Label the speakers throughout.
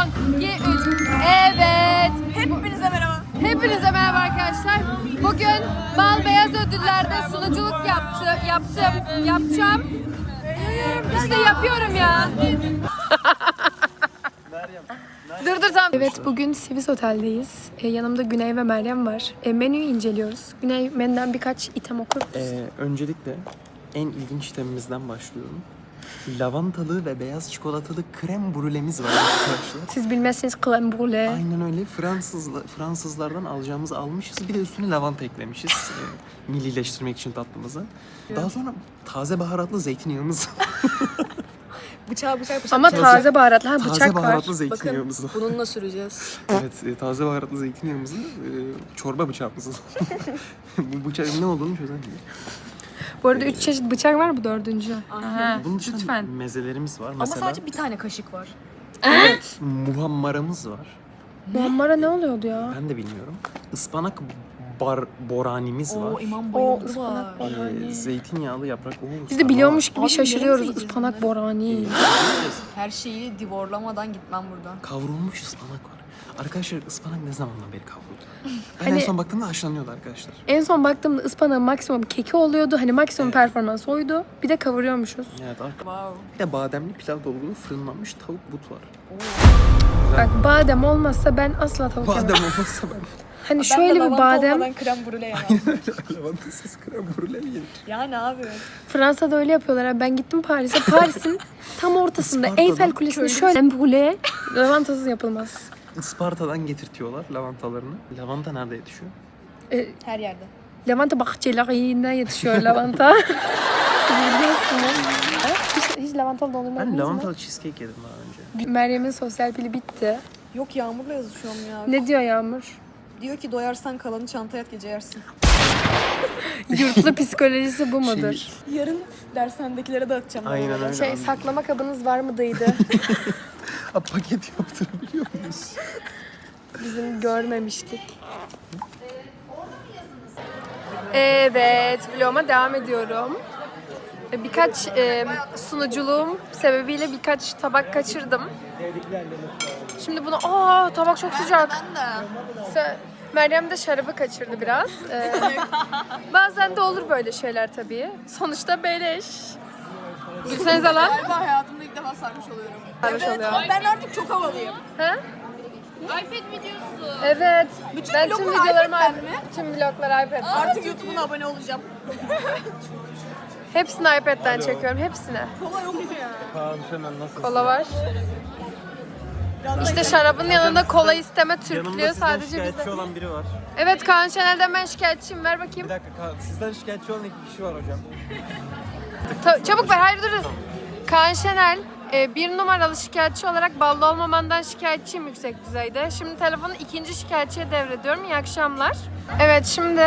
Speaker 1: Son, 2, 3. Evet.
Speaker 2: Hepinize merhaba.
Speaker 1: Hepinize merhaba arkadaşlar. Bugün Bal Beyaz Ödüller'de sunuculuk yapacağım. İşte yapıyorum ya. Dur tamam. Evet, bugün Sivis Otel'deyiz. Yanımda Güney ve Meryem var. Menüyü inceliyoruz. Güney menüden birkaç item okur.
Speaker 3: Öncelikle en ilginç itemimizden başlıyorum. Lavantalı ve beyaz çikolatalı krem brülemiz var arkadaşlar.
Speaker 1: Siz bilmezseniz crème brûlée.
Speaker 3: Aynen öyle. Fransızlardan alacağımızı almışız. Bir de üstüne lavanta eklemişiz. Millileştirmek için tatlımızı. Daha sonra taze baharatlı zeytinyağımız.
Speaker 2: Bıçak.
Speaker 1: Ama taze baharatlı. Ha,
Speaker 3: Taze
Speaker 1: bıçak var.
Speaker 3: baharatlı zeytinyağımız var.
Speaker 2: Bununla süreceğiz.
Speaker 3: Evet, taze baharatlı zeytinyağımızı, çorba bıçağımızı. Bu bıçağın ne olduğunu çözemiyorum.
Speaker 1: Bu arada 3 çeşit bıçak var, bu 4. Aha,
Speaker 3: Bunun dışında
Speaker 1: lütfen.
Speaker 3: mezelerimiz var.
Speaker 2: Ama
Speaker 3: Mesela
Speaker 2: sadece bir tane kaşık var.
Speaker 1: Evet.
Speaker 3: muhammaramız var.
Speaker 1: Muammara ne oluyordu ya?
Speaker 3: Ben de bilmiyorum. Ispanak boranimiz var.
Speaker 2: Oo İmam
Speaker 1: O
Speaker 2: bayıldı
Speaker 1: ıspanak
Speaker 2: var.
Speaker 1: borani.
Speaker 3: Zeytinyağlı yaprak.
Speaker 1: Biz de biliyormuş gibi
Speaker 2: Abi,
Speaker 1: şaşırıyoruz.
Speaker 2: neresi
Speaker 1: Ispanak
Speaker 2: yiyeceğiz
Speaker 1: borani.
Speaker 2: Her şeyi divorlamadan gitmem buradan.
Speaker 3: Kavrulmuş ıspanak var. Arkadaşlar ıspanak ne zamandan beri kavruldu? Ben
Speaker 1: Hani-
Speaker 3: en son baktığımda haşlanıyordu arkadaşlar.
Speaker 1: En son baktığımda ıspanağın maksimum keki oluyordu. Hani maksimum performans oydu. Bir de kavuruyormuşuz.
Speaker 3: Evet
Speaker 2: Wow.
Speaker 3: Bir de bademli pilav dolgulu fırınlanmış tavuk but var.
Speaker 1: Bak, badem olmazsa ben asla tavuk yemem.
Speaker 3: Badem olmazsa ben
Speaker 1: Hani şöyle bir badem.
Speaker 2: krem brûlée yemem.
Speaker 3: lavantasız krem brûlée mi yenir?
Speaker 2: Yani abi.
Speaker 1: Fransa'da öyle yapıyorlar. Abi. Ben gittim Paris'e. Paris'in tam ortasında
Speaker 3: Isparta'da
Speaker 1: Eyfel Kulesi'nde şöyle brûlée lavantasız yapılmaz.
Speaker 3: Isparta'dan getirtiyorlar lavantalarını. Lavanta nerede yetişiyor?
Speaker 2: Her yerde.
Speaker 1: Lavanta bahçelerinden yetişiyor lavanta. Siz biliyorsunuz. Ha? Hiç lavantalı dondurma
Speaker 3: Ben
Speaker 1: yediniz mi?
Speaker 3: lavantalı cheesecake yedim daha önce.
Speaker 1: Meryem'in sosyal pili bitti.
Speaker 2: Yok Yağmur'la yazışıyorum ya.
Speaker 1: Ne diyor Yağmur?
Speaker 2: Diyor ki doyarsan kalanı çantaya at gece yersin.
Speaker 1: Yurtlu psikolojisi bu mudur?
Speaker 2: Yarın dershanedekilere dağıtacağım.
Speaker 3: Aynen öyle.
Speaker 1: Şey, saklama kabınız var mıydı?
Speaker 3: Paket yaptırabiliyor muyuz?
Speaker 1: Bizim görmemiştik. Evet, vloguma devam ediyorum. Birkaç sunuculuğum sebebiyle birkaç tabak kaçırdım. Şimdi bunu, tabak çok sıcak. Meryem de şarabı kaçırdı biraz. Bazen de olur böyle şeyler tabii. Sonuçta beleş. Gülsenize lan.
Speaker 2: Galiba hayatımda ilk defa sarmış oluyorum.
Speaker 1: Sarmış oluyor.
Speaker 2: Ben artık çok havalıyım.
Speaker 1: Ha?
Speaker 2: iPad videosu.
Speaker 1: Evet.
Speaker 2: Bütün
Speaker 1: ben tüm
Speaker 2: vloglar
Speaker 1: videolarımı
Speaker 2: iPad'den mi?
Speaker 1: Tüm vloglar iPad'den.
Speaker 2: Artık YouTube'una abone olacağım.
Speaker 1: Hepsini iPad'den çekiyorum, hepsini.
Speaker 2: Kola yok mu ya?
Speaker 1: Kola var. İşte şarabın yanında kola isteme Türklüğü sadece
Speaker 4: şikayetçi
Speaker 1: bizde.
Speaker 4: olan biri var.
Speaker 1: Evet, Kaan Şener'den ben şikayetçiyim. Ver bakayım.
Speaker 4: Bir dakika, sizden şikayetçi olan 2 kişi var hocam.
Speaker 1: Çabuk ver, hayır dur. Kaan Şener, bir numaralı şikayetçi olarak ballı olmamandan şikayetçiyim yüksek düzeyde. Şimdi telefonu ikinci şikayetçiye devrediyorum. İyi akşamlar. Evet, şimdi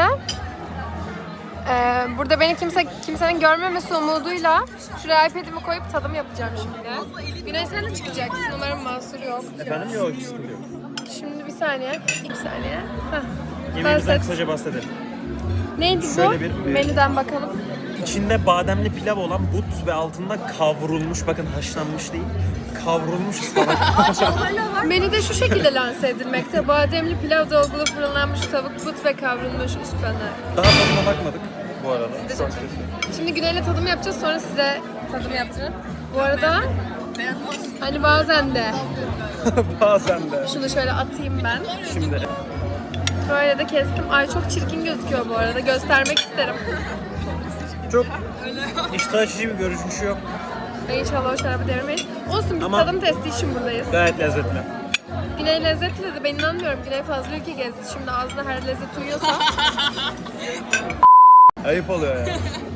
Speaker 1: burada beni kimsenin görmemesi umuduyla şuraya iPad'imi koyup tadım yapacağım şimdi. Güney, sen de çıkacaksın. Umarım mahsur yok.
Speaker 4: Efendim yok, sıkıntı yok.
Speaker 1: Şimdi bir saniye, 2 saniye. Heh.
Speaker 4: Yemeğimizden
Speaker 1: Ben
Speaker 4: kısaca bahsedelim.
Speaker 1: Neydi
Speaker 4: Şöyle
Speaker 1: bu?
Speaker 4: bir-
Speaker 1: Menüden bakalım.
Speaker 4: İçinde bademli pilav olan but ve altında kavrulmuş, bakın haşlanmış değil, kavrulmuş ıspanak.
Speaker 1: Menüde şu şekilde lanse edilmekte. Bademli pilav dolgulu fırınlanmış tavuk, but ve kavrulmuş ıspanak.
Speaker 4: Daha tadına bakmadık bu arada.
Speaker 1: Şimdi Güney'le tadım yapacağız, sonra size tadım yaptırırım. Bu arada hani bazen de
Speaker 4: Bazen de.
Speaker 1: şunu şöyle atayım ben.
Speaker 4: Şimdi
Speaker 1: Böyle de kestim. Ay, çok çirkin gözüküyor bu arada. Göstermek isterim.
Speaker 4: çok iştah açıcı bir görünüşü yok.
Speaker 1: İnşallah o şarabı devirmeyiz. Olsun, biz
Speaker 4: Ama-
Speaker 1: tadım testi için buradayız.
Speaker 4: Gayet lezzetli.
Speaker 1: Güney lezzetli dedi. Ben inanmıyorum. Güney fazla ülke gezdi. Şimdi ağzına her lezzet uyuyorsa.
Speaker 4: Ayıp oluyor ya.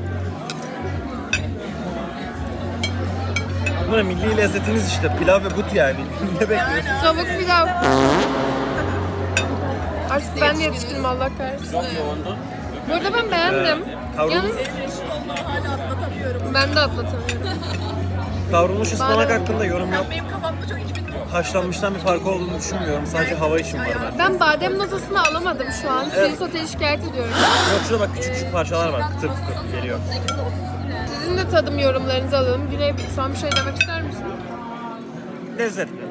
Speaker 4: Bu ne, milli lezzetiniz işte, pilav ve but yani. Ne bekliyorsun?
Speaker 1: Tavuk pilav. Artık ben de yetişkinim, Allah kahretsin. Burada ben beğendim.
Speaker 4: Kavrulmuş,
Speaker 1: Yalnız ben de atlatamıyorum.
Speaker 4: kavrulmuş ıspanak
Speaker 1: Bana-
Speaker 4: hakkında yorum yok.
Speaker 2: Benim kafamda çok 2000
Speaker 4: Haşlanmıştan bir farkı olduğunu düşünmüyorum. Sadece hava için var bende.
Speaker 1: Ben badem notasını alamadım şu an. Sivis Otel'i şikayet ediyorum.
Speaker 4: Yok, şurada bak, küçük küçük parçalar var. Kıtır kıtır geliyor.
Speaker 1: Sizin de tadım yorumlarınızı alalım. Güney, son bir şey demek ister misin?
Speaker 4: Lezzetli.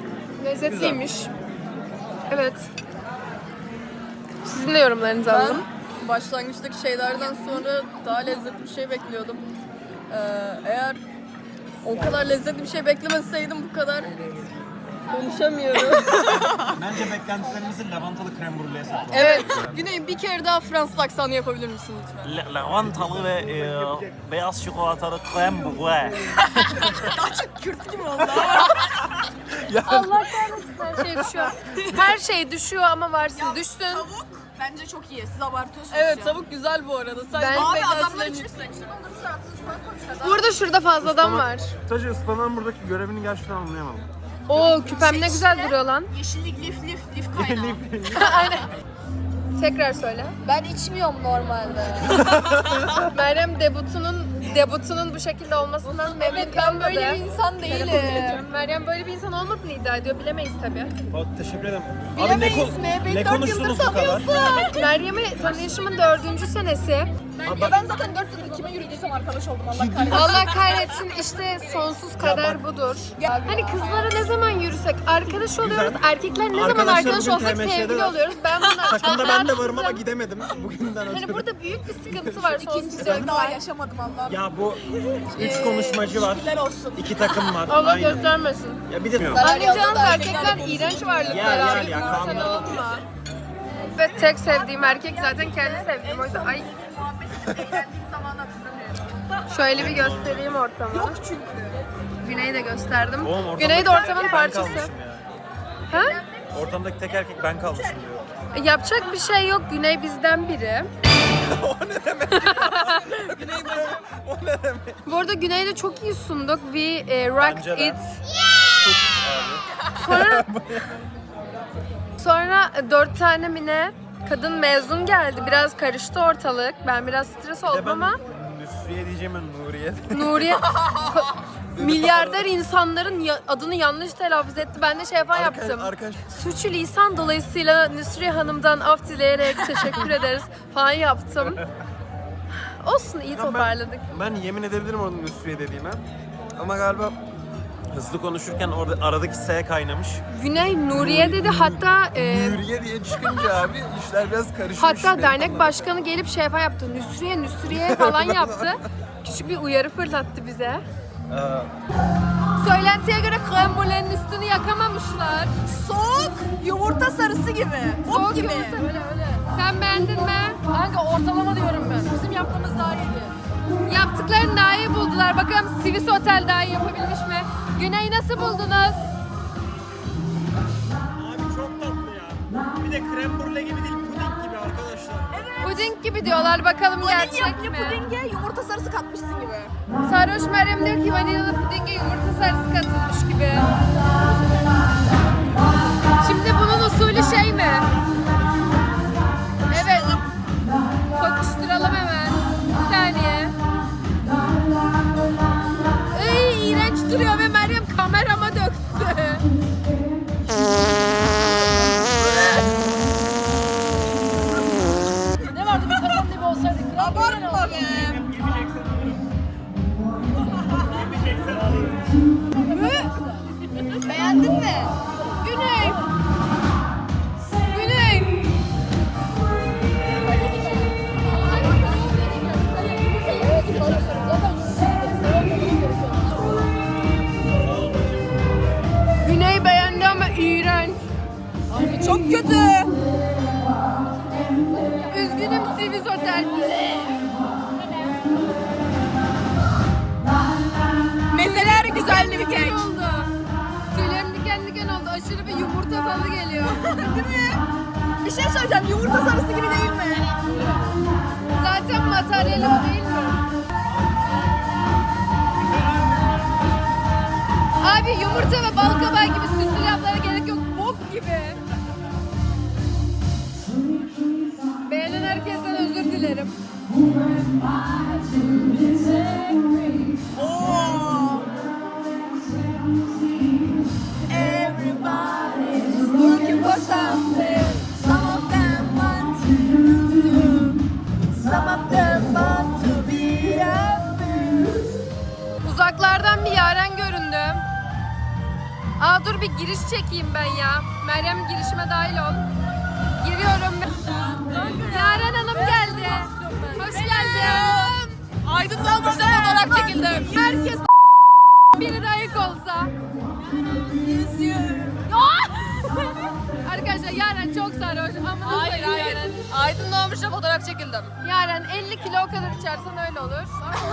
Speaker 1: Lezzetliymiş. Evet. Sizin de yorumlarınızı alalım.
Speaker 5: Ben başlangıçtaki şeylerden sonra daha lezzetli bir şey bekliyordum. Eğer o kadar lezzetli bir şey beklemeseydim bu kadar konuşamıyorum.
Speaker 4: Bence beklentilerimizi lavantalı krem brûleye saklayalım.
Speaker 5: Evet. Güney bir kere daha Fransız aksanı yapabilir misin lütfen?
Speaker 4: Lavantalı ve beyaz çikolatalı krem brûlée.
Speaker 5: Kürt gibi oldu.
Speaker 1: Allah kahretsin her şey düşüyor. Her şey düşüyor ama varsın düşsün.
Speaker 2: Tavuk bence çok iyi. Siz abartıyorsunuz
Speaker 5: Evet
Speaker 2: ya.
Speaker 5: tavuk güzel bu arada. Sen
Speaker 1: Ben-
Speaker 2: Abi adamlar
Speaker 5: beklentilerini
Speaker 2: içmiş
Speaker 5: yüksek.
Speaker 2: seçtim. Onları sırtınız falan koymuşlar.
Speaker 1: Burada şurada fazladan var.
Speaker 4: Sadece ıspanan buradaki görevini gerçekten anlayamadım.
Speaker 1: Oo küpem ne güzel
Speaker 2: işte.
Speaker 1: duruyor lan.
Speaker 2: Yeşillik lif kaynağı.
Speaker 1: Aynen. Tekrar söyle.
Speaker 5: Ben içmiyorum normalde.
Speaker 1: Meryem debutunun bu şekilde olmasından memnun
Speaker 5: Evet ben
Speaker 1: kalmadı.
Speaker 5: böyle bir insan değilim.
Speaker 1: Meryem böyle bir insan olmadığını iddia ediyor. Bilemeyiz tabii.
Speaker 4: Teşekkür ederim.
Speaker 5: Bilemeyiz mi? Beni
Speaker 4: ne
Speaker 5: 4
Speaker 4: konuştunuz
Speaker 5: yıldır
Speaker 4: bu kadar?
Speaker 5: tanıyorsun.
Speaker 1: Meryem'i tanışımın 4. senesi.
Speaker 5: Ya ben zaten 4 yıldır kime yürüdüysem arkadaş oldum Allah kahretsin.
Speaker 1: Allah kahretsin işte sonsuz kader budur. Hani kızlara ne zaman yürüsek arkadaş oluyoruz. Erkekler ne zaman
Speaker 4: Arkadaşlar
Speaker 1: arkadaş
Speaker 4: bugün
Speaker 1: olsak
Speaker 4: TMŞ'de
Speaker 1: sevgili
Speaker 4: var.
Speaker 1: oluyoruz. Ben buna
Speaker 4: Takımda ben de varım ama
Speaker 1: rahatsızım.
Speaker 4: gidemedim bugünden ötürü.
Speaker 1: Hani burada büyük bir sıkıntı var. Sonsuz
Speaker 2: İkinci
Speaker 1: sevgi
Speaker 2: daha
Speaker 1: var.
Speaker 2: yaşamadım Allah'ım.
Speaker 4: Ya bu 3 konuşmacı var.
Speaker 2: Şükürler olsun.
Speaker 4: 2 takım var.
Speaker 1: Allah
Speaker 4: Aynen.
Speaker 1: göstermesin.
Speaker 4: Ya bir de
Speaker 1: Anlayacağınız
Speaker 5: da
Speaker 1: erkekler iğrenç varlıklar
Speaker 4: Ya,
Speaker 1: abi.
Speaker 4: ya,
Speaker 1: Sen
Speaker 4: kanlar.
Speaker 1: olma. Ve tek sevdiğim erkek zaten kendi sevdiğim. O yüzden ay
Speaker 2: Eğlendiğim zaman hatırlamıyorum.
Speaker 1: şöyle bir göstereyim ortamı.
Speaker 2: Yok çünkü.
Speaker 1: Güney'i de gösterdim.
Speaker 4: Oğlum, ortamdaki
Speaker 1: Güney de
Speaker 4: tek
Speaker 1: ortamın
Speaker 4: ben
Speaker 1: parçası.
Speaker 4: kalmışım ya.
Speaker 1: Ha?
Speaker 4: Ortamdaki tek erkek ben kalmışım diyor.
Speaker 1: Yapacak bir şey yok. Güney bizden biri.
Speaker 4: O ne demek?
Speaker 1: Bu arada Güney'de çok iyi sunduk. We rocked
Speaker 4: Bence de.
Speaker 1: it. Sonra 4 tane mi ne kadın mezun geldi. Biraz karıştı ortalık. Ben biraz stres
Speaker 4: Bir de
Speaker 1: oldum
Speaker 4: ben
Speaker 1: ama
Speaker 4: Nusriye diyeceğim ben Nuriye.
Speaker 1: Nuriye milyarder insanların adını yanlış telaffuz etti. Ben de şey falan yaptım.
Speaker 4: Arkadaş
Speaker 1: Suçu lisan dolayısıyla Nusriye Hanım'dan af dileyerek teşekkür ederiz falan yaptım. Olsun iyi toparladık.
Speaker 4: ben yemin edebilirim orada Nusriye dediğime. Ama galiba hızlı konuşurken orada aradaki S kaynamış.
Speaker 1: Güney Nuriye dedi hatta
Speaker 3: Nuriye diye çıkınca abi işler biraz karışmış.
Speaker 1: hatta dernek başkanı gelip şey falan yaptı. Nusriye falan yaptı. Küçük bir uyarı fırlattı bize. Söylentiye göre krem brûlée'nin üstünü yakamamışlar.
Speaker 2: Soğuk yumurta sarısı gibi. Bok
Speaker 1: Soğuk
Speaker 2: gibi.
Speaker 1: yumurta. Öyle. Sen beğendin mi?
Speaker 5: Kanka ortalama diyorum ben. Bizim yaptığımız daha iyiydi.
Speaker 1: Yaptıklarını daha iyi buldular. Bakalım Swiss Otel daha iyi yapabilmiş mi? Güney nasıl buldunuz?
Speaker 4: Abi çok tatlı ya. Bir de krem brûlée gibi değil, puding gibi arkadaşlar.
Speaker 1: Puding gibi diyorlar. Bakalım gerçek
Speaker 2: Vanilya
Speaker 1: mi?
Speaker 2: pudinge yumurta sarısı katmışsın gibi.
Speaker 1: Sarhoş Meryem diyor ki vanilyalı pudinge yumurta sarısı katılmış gibi. Şimdi bunun usulü şey mi? Evet. Kokuşturalım hemen. Bir saniye. Iy, iğrenç duruyor ve Meryem kamerama döktü.
Speaker 5: Ne vardı bir kazan gibi olsaydı kral.
Speaker 2: Abartma be.
Speaker 1: Beğendin mi? Güney. Güney. Güney beğendi ama iğrenç.
Speaker 2: Çok kötü.
Speaker 1: Üzgünüm Swiss Otel.
Speaker 2: Mezeler güzel mi
Speaker 1: Diken
Speaker 2: kek?
Speaker 1: oldu. Tüylerim diken diken oldu. Aşırı bir yumurta tadı geliyor.
Speaker 2: Değil mi? Bir şey söyleyeceğim. Yumurta sarısı gibi değil mi?
Speaker 1: Zaten materyali o değil mi? Abi yumurta ve bal kabağı gibi süslü laflara gerek yok. Bok gibi. Beğenen herkesten özür dilerim.
Speaker 2: Oo. Everybody's looking for something. Some of them want to lose you. Some of them want to be abused.
Speaker 1: Uzaklardan bir Yaren göründü. Aa dur bir giriş çekeyim ben ya. Meryem girişime dahil ol. Giriyorum. Yaren Hanım geldi. Hoş geldin.
Speaker 5: Aydın Salmış'ta fotoğraf çekildim.
Speaker 1: Herkes biri de ayık olsa. Arkadaşlar Yaren çok sarhoş. Amına
Speaker 5: Hayır
Speaker 1: koyayım
Speaker 5: hayır.
Speaker 1: Yaren.
Speaker 5: Aydın Doğmuş'ta fotoğraf çekildim.
Speaker 1: Yaren 50 kilo o kadar içersen öyle olur.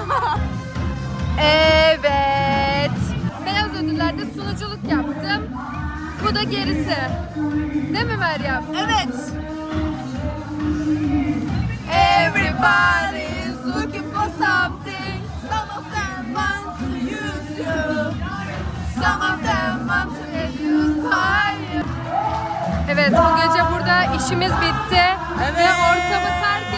Speaker 1: Evet. Beyaz ödüllerde sunuculuk yaptım. Bu da gerisi. Değil mi Meryem?
Speaker 2: Evet. Everybody is looking for something. Some of them want to use you. Some of them want to abuse you.
Speaker 1: Evet, bu gece burada işimiz bitti. Ve ortamı terk